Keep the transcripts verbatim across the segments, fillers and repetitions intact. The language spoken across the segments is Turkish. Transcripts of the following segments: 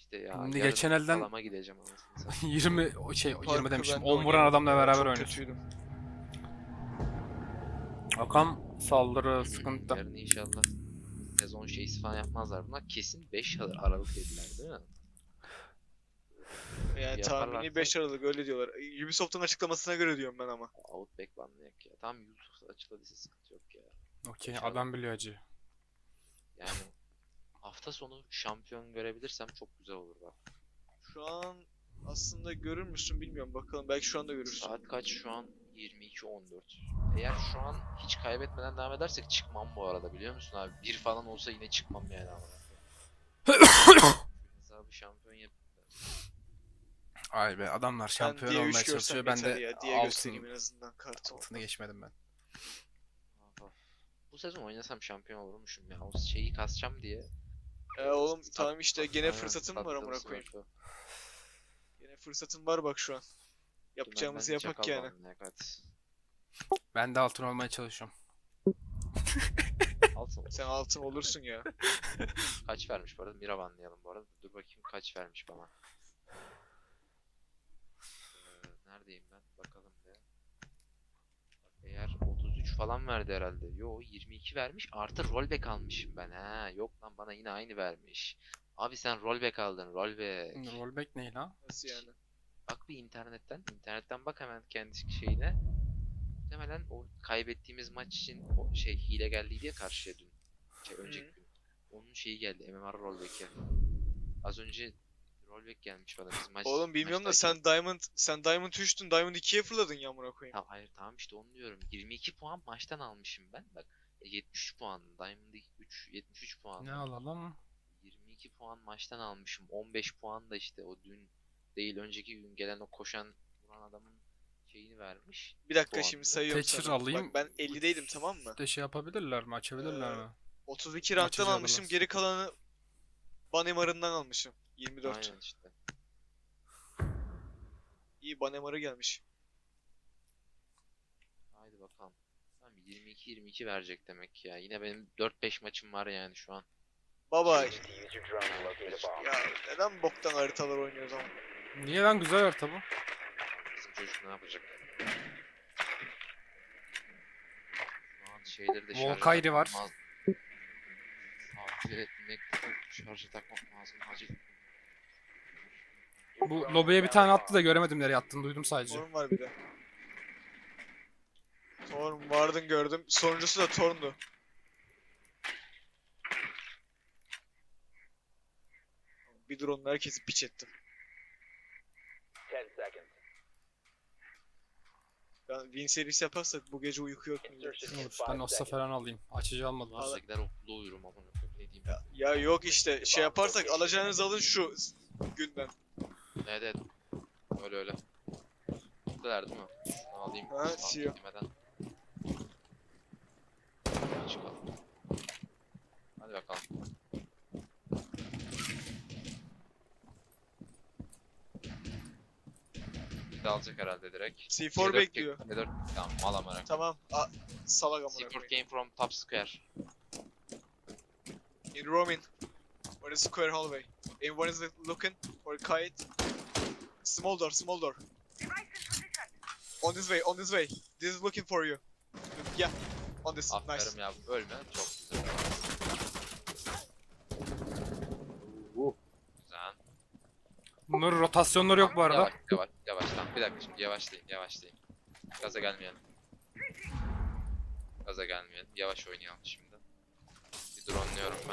işte ya. Şimdi Yarın geçen elden salama gideceğim anasını satayım. yirmi o şey Parkı yirmi demişim. ben de on vuran oynayamadım adamla ya, beraber çok oynuyorsun. kötüydüm. Bakalım saldırı sıkıntı. Yarın inşallah sezon şeysi falan yapmazlar. Bunlar kesin beş Aralık dediler değil mi? Yani Yaparlarsa- tahmini beş Aralık öyle diyorlar. Ubisoft'un açıklamasına göre diyorum ben ama. Outback banlayak ya. Tam YouTube açıkladıysa sıkıntı yok ya. Okey İnşallah. adam biliyor acı. Yani hafta sonu şampiyon görebilirsem çok güzel olur bak. Şu an aslında görür müsün bilmiyorum, bakalım, belki şu anda görürsün. Saat kaç şu an? yirmi iki on dört. Eğer şu an hiç kaybetmeden devam edersek çıkmam bu arada, biliyor musun abi? Bir falan olsa yine çıkmam yani ama. Hesabı şampiyon yap. Ay be adamlar Ben şampiyon diye olmaya üç görsem çalışıyor. Ben yeter de ya. Diye altın, göstereyim en azından kartı. altını geçmedim ben. Of of. Bu sezon oynasam şampiyon olurmuşum ya. O şeyi kasacağım diye. E oğlum Sat- tamam işte, gene Aynen, fırsatın var sattığım amına koyayım. smurf'ü. Gene fırsatın var bak şu an. Yapacağımızı Dümenden yapak çakal yani. banlayak, hadi. Ben de altın olmaya çalışıyorum. Altın Sen altın olursun ya. kaç vermiş bu arada? Mira banlayalım bu arada. Dur bakayım kaç vermiş bana. Ee, neredeyim ben? Bakalım be. Bak, eğer otuz üç falan verdi herhalde. Yo yirmi iki vermiş. Artı rollback almışım ben. Ha yok lan, bana yine aynı vermiş. Abi sen rollback aldın. Rollback. Rollback ne lan? Nasıl yani? Bak bir internetten. internetten bak hemen kendi şeyine. Muhtemelen o kaybettiğimiz maç için o şey hile geldiydi ya karşıya dün. Şey, önceki Hı. gün. Onun şeyi geldi. M M R rollback'e. Az önce rollback gelmiş bana biz maç. Oğlum bilmiyorum da maçtayken. sen Diamond sen Diamond üçtün, Diamond ikiye fırladın ya amına koyayım. Tamam, hayır tamam işte onu diyorum. yirmi iki puan maçtan almışım ben. Bak yetmiş üç puan. Diamond üç yetmiş üç puan. Ne alalım? yirmi iki puan maçtan almışım. on beş puan da işte o dün değil önceki gün gelen o koşan vuran adamın şeyini vermiş. Bir dakika puanını. şimdi sayıyorum Thatcher sana. alayım. Bak ben ellideydim tamam mı? De şey yapabilirler mi? Açabilirler Ee, mi? otuz iki ranktan Açacağız almışım, biraz. geri kalanı Banemar'ından almışım. yirmi dört. Aynen işte. İyi, Banemar'a gelmiş. Haydi bakalım. Tamam yirmi iki yirmi iki verecek demek ya. Yine benim dört beş maçım var yani şu an. Baba ya neden boktan haritalar oynuyoruz ama? Niye lan güzel harita bu? Bizim çocuk ne yapacak? Şu an şeyleri de şarja Volkayri takmam var. lazım. Acil etmek, şarja takmam lazım acil. Bu lobiye bir tane attı da göremedim nereye attığını, duydum sadece. Torun var bir de. Torun vardın gördüm. Sonuncusu da Torun'du. Bir drone'la herkesi piç ettim. Ben win serisi yaparsak bu gece uyku yok millet. Olur, ben Ossa falan alayım. Açıcı almadım. Al. Varsa gider okulda uyurum ama ne diyeyim. Ya, ya yok işte şey yaparsak alacağınızı alın şu günden. Evet evet. Öyle öyle. Buradalar değil mi? Şunu alayım. Ha, spam siyah. çekmeden. Çıkalım. Hadi bakalım. Bir de alacak herhalde direkt. C C four dört bekliyor. C dört tamam mal amına. Tamam. A salak amına C four koyayım. came from top square. In Roman. Or the square hallway. Everyone is looking for kite. Small door, small door. On this way, on this way. This is looking for you. Yeah. On this. Nice. Aferin ya, ölme. Çok güzel. Güzel. Bunların rotasyonları yok bu arada. Yavaş yavaş yavaş. Tamam bir dakika şimdi yavaşlayın yavaşlayın. Gaza gelmeyelim. Gaza gelmeyelim. Yavaş oynayalım şimdi. Bir dronluyorum ben.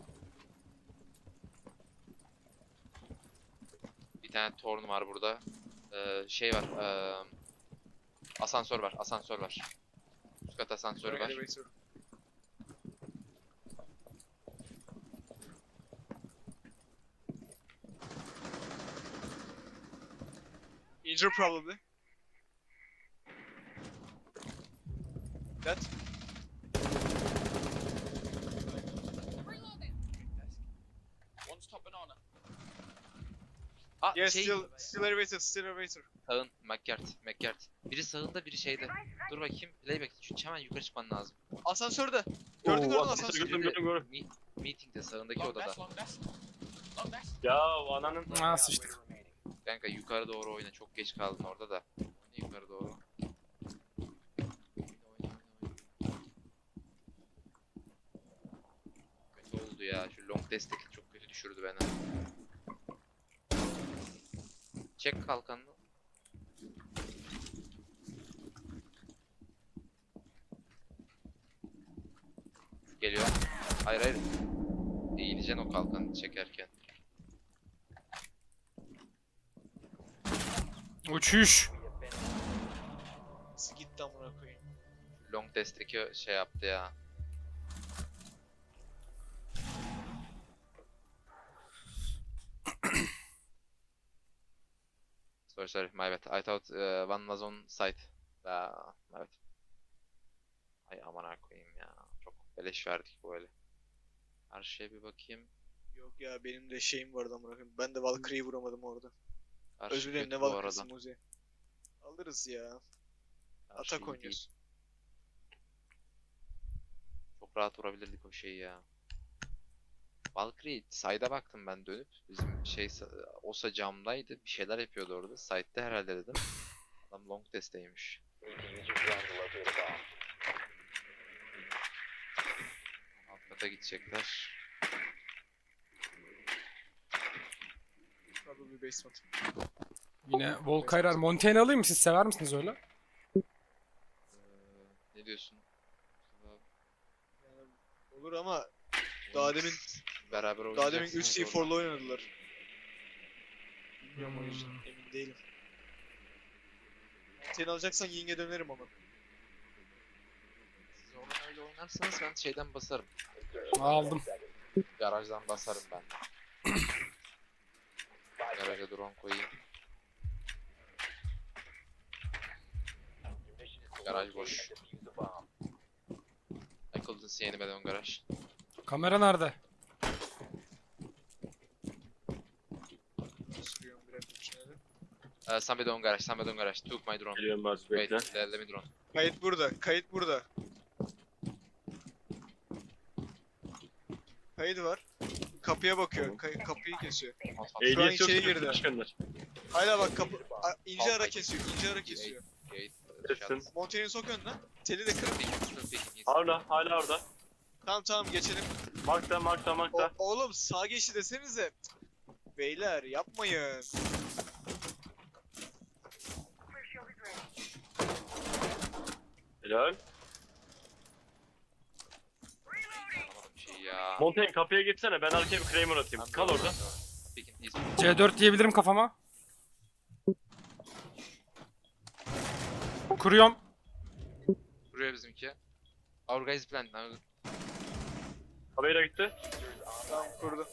Bir tane torn var burada. Ee, şey var. Ee, asansör var. Asansör var. Üst kat asansörü var. Elevator. Injure probably. That. Aa, Yes, şey, still, still elevator, still elevator. sağın. McGart. McGart. Biri sağında biri şeyde. Dur bakayım. Playback. Çünkü hemen yukarı çıkman lazım. Asansörde. Gördün gördün Oo, asansörü. gördüm, gördüm, gördüm. Me meeting'de sağındaki odada. Ya ananın... Ha sıçtık. Kanka yukarı doğru oyna. Çok geç kaldın orada da. Oyna yukarı doğru. Oyna, oyna, oyna, oyna. Kötü oldu ya. Şu long destek çok kötü düşürdü beni. Çek kalkanını. Geliyor. Hayır hayır. Eğileceksin o kalkanı çekerken. Uçuş. Nasıl gitti amına koyayım. Long destek'i şey yaptı ya. Sorry sorry my bad. I thought uh, one was on site. Aa, evet. Ay aman koyayım ya. Çok beleş verdik böyle. Her şeye bir bakayım. Yok ya benim de şeyim vardı amına koyayım. Ben de Valkyrie'yi vuramadım orada. Karşı Özür dilerim kötü ne bu Valkyrie'si arada. Muzi. Alırız ya. Karşı iyi Atak değil. oynuyorsun. Çok rahat vurabilirdik o şeyi ya. Valkyrie side'a baktım ben dönüp. Bizim şey Osa camdaydı. Bir şeyler yapıyordu orada. Side'de herhalde dedim. Adam long test'teymiş. Alt kata gidecekler. Probably basement. Yine Volkayrar. Montaigne alayım mı? Siz sever misiniz öyle? Ee, ne diyorsun? Yani olur ama daha demin beraber daha demin üç oynayacaksınız C orada. four'la oynadılar. Bilmiyorum o yüzden emin değilim. Seni alacaksan Ying'e dönerim ama. Siz oradan öyle oynarsanız ben şeyden basarım. Aldım. Garajdan basarım ben. Garaja drone koyayım. Garaj boş. I couldn't see anybody on garage. Kamera nerede? Sürüyorum bir dakika düşünelim. Uh, somebody on garage, somebody on garage. Took my drone. Geliyorum Barış Wait, bekle. let, let me drone. Kayıt burada, kayıt burada. Kayıt var. Kapıya bakıyor, kay- kapıyı kesiyor. Ehliyet yok içeri ki, girdi. başkanlar. Hala bak kapı, a- ince ara kesiyor, ince ara kesiyor. Gate. Kesin. Montaigne'i sok önüne. Teli de kırıp. Hala, hala orada. Tamam tamam geçelim. Markta, markta, O, markta. oğlum sağ geçti desenize. Beyler yapmayın. Helal. Şey ya. Montaigne kapıya gitsene, ben arkaya bir Kramer atayım. Kal orada. C dört diyebilirim kafama. Kuruyorum. Buraya bizimki. Our guys plant. Now. Habera gitti. Tamam kurdu.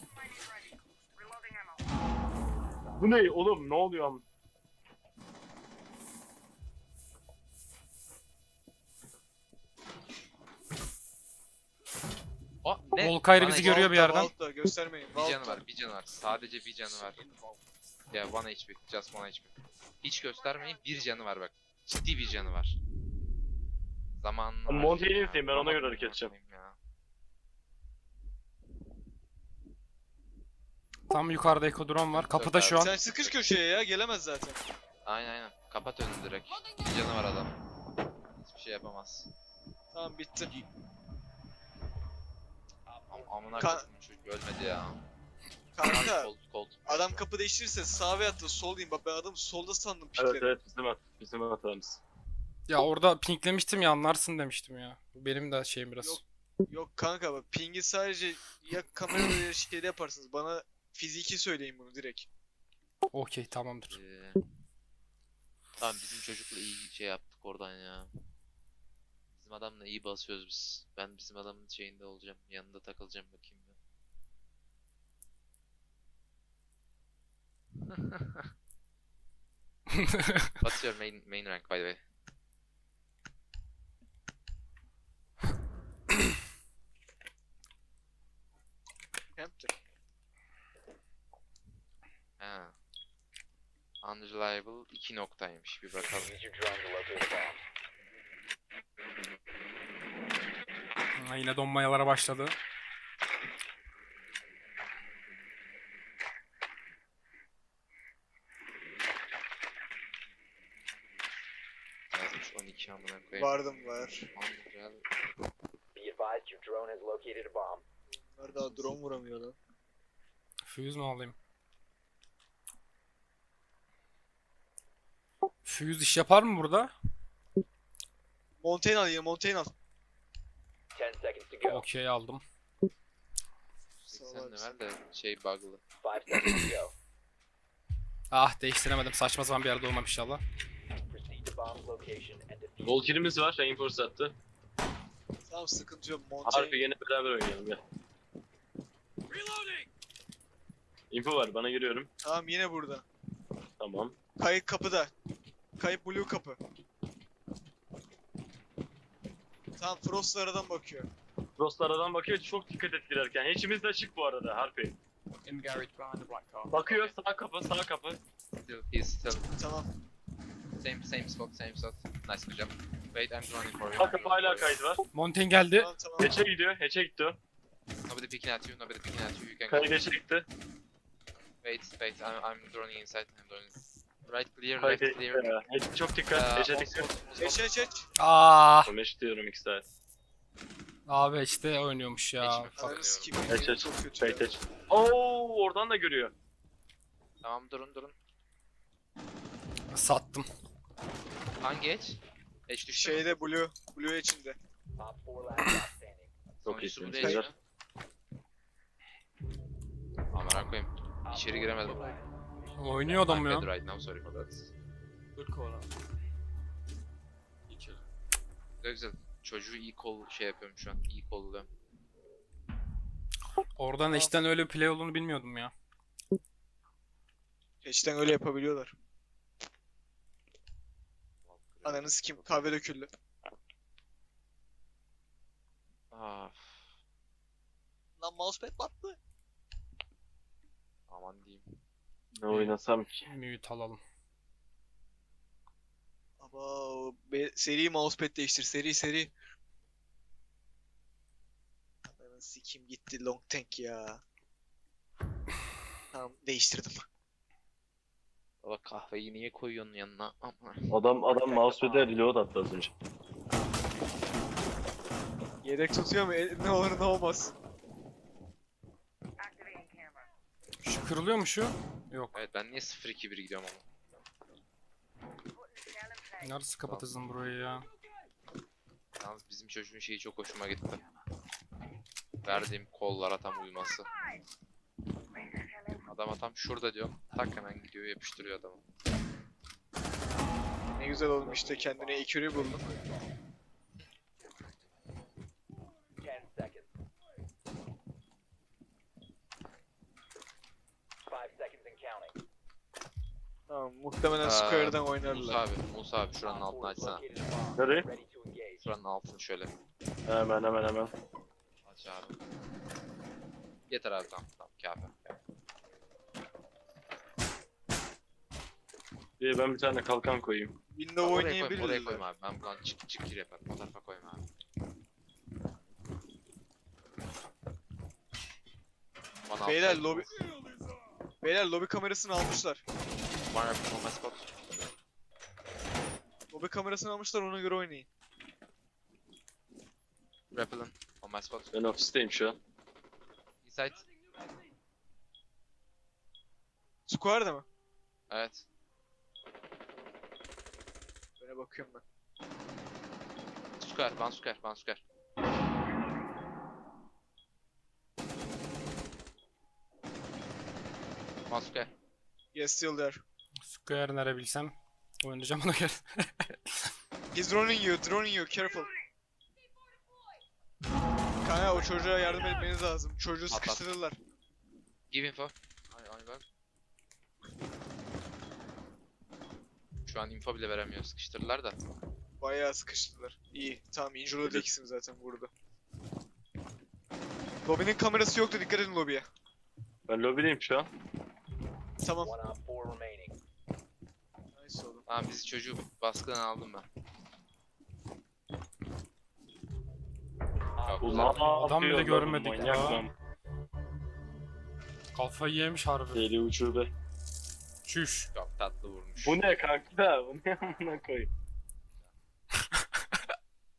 Bu ne oğlum, ne oluyor am? O ne? Volkayr Bana bizi hiç- görüyor bir Vault'ta, yerden. Vault'ta, göstermeyin. Bir canı Vault'ta. var, bir canı var. Sadece bir canı var. Ya one H P, just one H P. Hiç göstermeyin, bir canı var bak. Ciddi bir canı var. Zamanını Ama harcayın Montaigne'i ya. izleyin, ben ona Vuramadım göre hareket amına edeceğim. koyayım ya. Tam yukarıda Eko drone var. Kapıda şu an. Sen sıkış köşeye ya, gelemez zaten. Aynen aynen. Kapat önünü direkt. Bir canı var adam. Hiçbir şey yapamaz. Tamam bitti. Am amına Ka- koyayım çocuk ölmedi ya. Kanka, Colt, Colt. adam kapı değiştirirse sağ veya da sol diyeyim. Bak ben adamı solda sandım Evet pikleri. evet, bizim at, bizim hatamız. Ya orada pinklemiştim ya, anlarsın demiştim ya. Benim de şeyim biraz. Yok. Yok kanka bak pingi sadece ya kamerada ya şeyde yaparsınız. Bana fiziki söyleyin bunu direkt. Okey, tamamdır. Ee, tamam bizim çocukla iyi şey yaptık oradan ya. Bizim adamla iyi basıyoruz biz. Ben bizim adamın şeyinde olacağım. Yanında takılacağım bakayım ben. What's your main main rank by the way? Hampton. Ha. Unreliable iki noktaymış. Bir bakalım. Ha, yine donmayalara başladı. ki amına koyayım. Vardım var. Unreal. Be advised your drone has located a bomb. Bunlar daha drone vuramıyor lan. Fuse mu alayım? Fuse iş yapar mı burada? Montaigne al yine Montaigne al. Ten seconds to go. Okey aldım. seksen level de şey bug'lı. Five seconds to go. Ah değiştiremedim. Saçma sapan bir yerde olmam inşallah. Proceed to bomb's location and defuse. Gol kill'imiz var. Reinforce attı. Tamam sıkıntı yok Harbi Montaigne. yine beraber oynayalım gel. Info var bana giriyorum. Tamam yine burada. Tamam. Kayıt kapıda. Kayıp blue kapı. Tamam Frost aradan bakıyor. Frost aradan bakıyor çok dikkat et girerken. Hiçimiz de açık bu arada Harpy. In the garage behind the black car. Bakıyor sağ kapı sağ kapı. Still, he's still Tamam. same same spot, same spot. Nice good job. Wait, I'm running for you. Sağ kapı hala kaydı var. Montaigne geldi. Tamam tamam. Geçe gidiyor. Geçe gitti o. Nobody picking at you, nobody picking at you. You can Kayı go. geçe gitti. Wait, wait, I'm, I'm droning inside. I'm droning. Right clear, Kayı left geçti. clear. Geç- Çok Uh, dikkat. Geçe on dikkat. spot, on spot. Geç geç geç. Ah Meş diyorum iki saat. abi işte oynuyormuş ya. Geçme. Fuck. Ananı sikeyim. Geç geç. Çok kötü ya. Geç geç. Oo oradan da görüyor. Tamam durun durun. Sattım. Hangi edge? Edge düştü mü? Şeyde blue. Blue içinde. Op four last stop standing. Çok Sonuncusu iyisiniz. bu değil Güzel. mi? Amına koyayım. Op İçeri four giremedim. Oynuyor adam I'm ya. dead right now, sorry for that. Good call out. İyi kill. Güzel güzel. Çocuğu iyi kol şey yapıyorum şu an. İyi kolluyorum. Oradan eşten öyle bir play olduğunu bilmiyordum ya. Hatch'ten öyle yapabiliyorlar. Ananı sikeyim. Kahve döküldü. Ah, Lan mousepad battı. aman diyeyim. Ne oynasam ki? Mute alalım. Aba be, seri mousepad değiştir. Seri seri. Ananı sikeyim gitti long tank ya. Tamam değiştirdim. Baba kahveyi niye koyuyorsun yanına? Ama. Adam adam mousepad'e reload attı az önce. Yedek tutuyor mu? E, ne olur ne olmaz. Şu kırılıyor mu şu? Yok. Evet ben niye sıfır iki bir gidiyorum ama. Nasıl kapatacağız burayı ya? Yalnız bizim çocuğun şeyi çok hoşuma gitti. Verdiğim kollara tam uyması. Adama tam şurada diyorum. Tak hemen gidiyor yapıştırıyor adamı. Ne güzel olmuş işte kendine ekürü buldum. Ten seconds. Five seconds and counting. Tamam muhtemelen Aa, square'dan Musa oynarlar. abi, Musa abi şuranın Op altını four has açsana. located a bomb. Nereye? Ready to engage. Şuranın altını şöyle. Hemen hemen hemen. Aç abi. Yeter abi tamam tamam kafi. Bir ben bir tane kalkan koyayım. Window Oraya koyma, oraya oynayabilirler. koyma abi. Ben buradan çık çık gir yaparım. O tarafa koyma abi. Bana Beyler altı- lobi... Beyler lobi kamerasını almışlar. One up on my spot. Lobi kamerasını almışlar ona göre oynayın. Rappelin on my spot. Ben ofisteyim şu an. Inside. Square'da mı? Evet. Böyle bakıyorum ben. Square, one square, one square. One square. Yes still there. Square nere bilsem oynayacağım ona göre. He's droning you, droning you, careful. Kanka o çocuğa yardım etmeniz lazım. Çocuğu Atlat. sıkıştırırlar. Give info. Ay ay bak. Şu an info bile veremiyor. Sıkıştırırlar da. Bayağı sıkıştırdılar. İyi, tamam injurladı ikisini zaten vurdu. Lobinin kamerası yoktu, dikkat edin lobiye. Ben lobideyim şu an. Tamam. One op four remaining. Nice oğlum. Tamam bizi çocuğu baskıdan aldım ben. Yok, Bu güzel. ne Adam bile yapıyor lan? görmedik Manyak ya. lan. Kafayı yemiş harbi. Deli uçurbe. Çüş. Çok tatlı vurmuş. Bu ne kanka? Bu ne amına koyayım?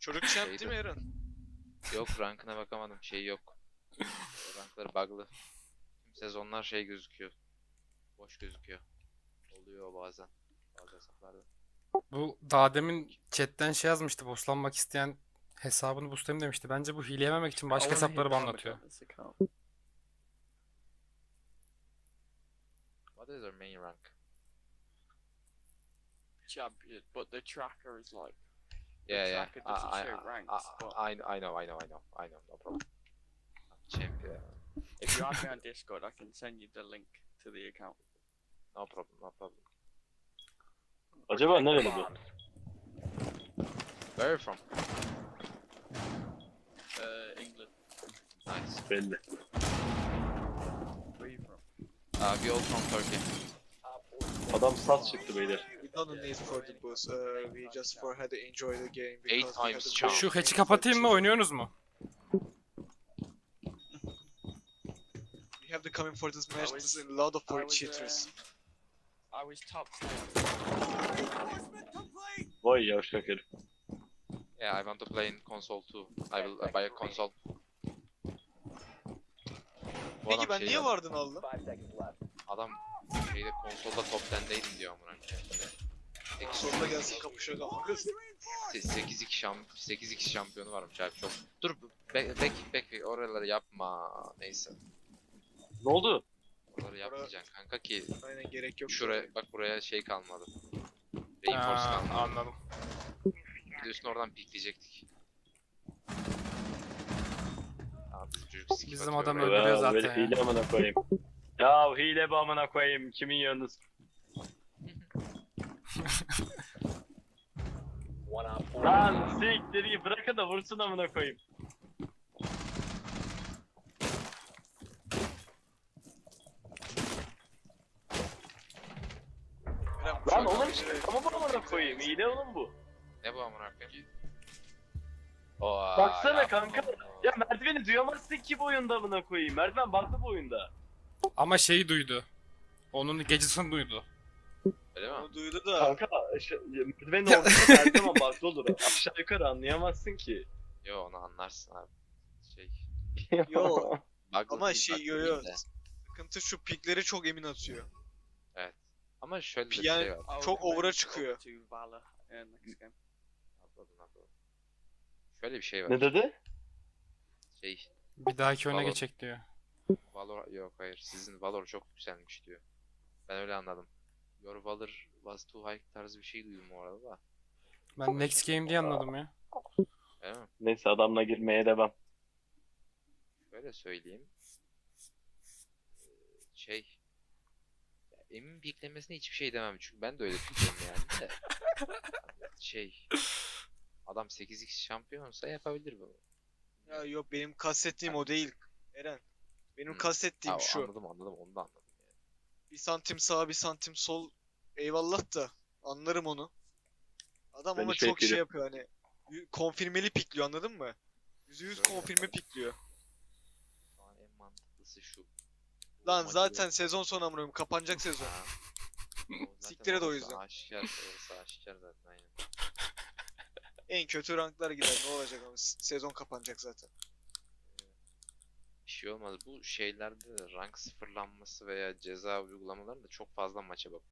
Çocuk champ değil Şeydi. mi Eren? Yok, rankına bakamadım. Şey yok. Rankları bug'lı. Tüm sezonlar şey gözüküyor. Boş gözüküyor. Oluyor bazen. Bazı hesaplarda. Bu daha demin chatten şey yazmıştı. Boostlanmak isteyen hesabını boostlayayım demişti. Bence bu hile yememek için başka I wanna hit hesapları Diamond banlatıyor. on this account. What is our main rank? Champion, but the tracker is like. The Yeah, yeah. tracker I, doesn't I, show ranks, I, but I, I know, I know, I know, I know. No problem. Champion. if you add me on Discord, I can send you the link to the account. No problem, no problem. Acaba nereli bu? Where are you from? Uh, England. Nice. Belli. Where are you from? Uh, we all from Turkey. Adam sas çıktı beyler. We don't need for the boost. Uh, we just for had to enjoy the game. Eight because we had times the champ. boost. Şu hatch'i kapatayım mı? Oynuyorsunuz mu? We have to come in for this match. I was- This is a lot of I for was, cheaters. um, I was top ten. Vay yavşak herif. Yeah, I want to play in console too. I will uh, buy a console. Bu Peki adam ben şey niye yazdı. vardın aldım? Five seconds left. Adam şeyde konsolda top ondaydım diyor amına koyayım. Sonunda gelsin kapışalım. Kız. sekiz iki şamp sekiz iki şampiyonu varmış abi çok. Dur bek bek bek oraları yapma. Neyse. Ne oldu? Oraları yapmayacaksın kanka ki Aynen gerek yok. şuraya bak buraya şey kalmadı. Reinforce Ha, kalmadı. anladım. Bir de üstüne oradan pikleyecektik. Tamam bizim çocuk skip Bizim atıyor adam oraya. öldürüyor Ya, zaten böyle ya. hile amına koyayım. Ya hile bu amına koyayım. Kimin yanınız? One on four. Lan siktir git, bırakın da vursun amına koyayım. Eren, Lan şu an oğlum şey- ama bu amına koyayım. Hile oğlum bu. Ne bu amına koyayım? Oha, Baksana yapma kanka. bunu. Ya merdiveni duyamazsın ki bu oyunda amına koyayım. Merdiven baklı bu oyunda. Ama şeyi duydu. Onun gecesini duydu. Öyle mi? Onu duydu da. Kanka aşağı, merdivenin ortasında her zaman baklı olur. Aşağı yukarı anlayamazsın ki. Yo onu anlarsın abi. Şey. Yo. Bug Ama değil, şey bug yo değil yo. de. Sıkıntı şu pikleri çok emin atıyor. Ama şöyle de bir Yani- şey var. I Çok recommend over'a you çıkıyor. go to Valor in next game. Atladım atladım. Şöyle bir şey var. Ne dedi? Şey. Bir dahaki öne Valor. geçecek diyor. Valor yok hayır. Sizin Valor çok yükselmiş diyor. Ben öyle anladım. Your Valor was too high tarzı bir şey duydum o arada da. Ben next game diye anladım ya. Öyle mi? Neyse adamla girmeye devam. Şöyle söyleyeyim. Ee, Şey. Ya emin piklemesine hiçbir şey demem çünkü ben de öyle pikliyorum yani de. Hani şey. Adam sekiz x şampiyonsa yapabilir bunu. Ya yok benim kastettiğim o değil. Eren. Benim Hı. kastettiğim Ha, şu. anladım anladım onu da anladım. Yani. Bir santim sağ bir santim sol. Eyvallah da. Anlarım onu. Adam Ben ama hiç çok şey bekliyorum. yapıyor hani. y- Konfirmeli pikliyor anladın mı? yüzde yüz Şöyle konfirme yapalım. pikliyor. Şu an en mantıklısı şu. Bu Lan maçı zaten yok. sezon sonu amına koyayım, kapanacak sezon. Ha. O zaten Siktir et o orası yüzden. Aşikar, orası aşikar zaten aynen. En kötü ranklar gider ne olacak ama s- sezon kapanacak zaten. Bir şey olmaz. Bu şeylerde de rank sıfırlanması veya ceza uygulamalarında çok fazla maça bakıyor.